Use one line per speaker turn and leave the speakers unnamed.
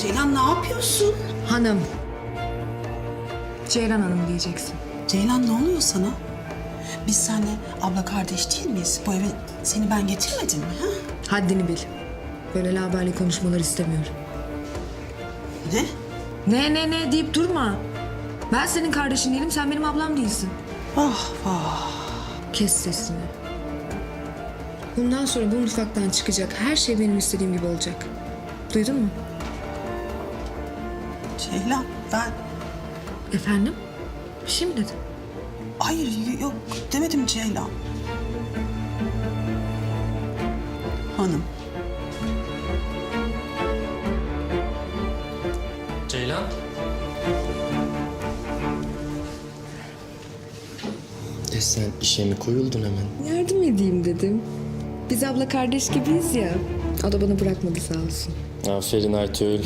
Ceylan ne yapıyorsun?
Hanım. Ceylan Hanım diyeceksin.
Ceylan ne oluyor sana? Biz seninle abla kardeş değil miyiz? Bu eve seni ben getirmedim mi? Ha?
Haddini bil. Böyle laberli konuşmalar istemiyorum.
Ne?
Ne deyip durma. Ben senin kardeşin değilim, sen benim ablam değilsin.
Ah vah.
Kes sesini. Bundan sonra bu mutfaktan çıkacak her şey benim istediğim gibi olacak. Duydun mu?
Ceylan ben...
Efendim? Bir şey mi dedin?
Hayır yok demedim Ceylan. Hanım.
Ceylan? Sen işe mi koyuldun hemen?
Yardım edeyim dedim. Biz abla kardeş gibiyiz ya. O da bana bırakmadı sağ olsun.
Aferin Aytül.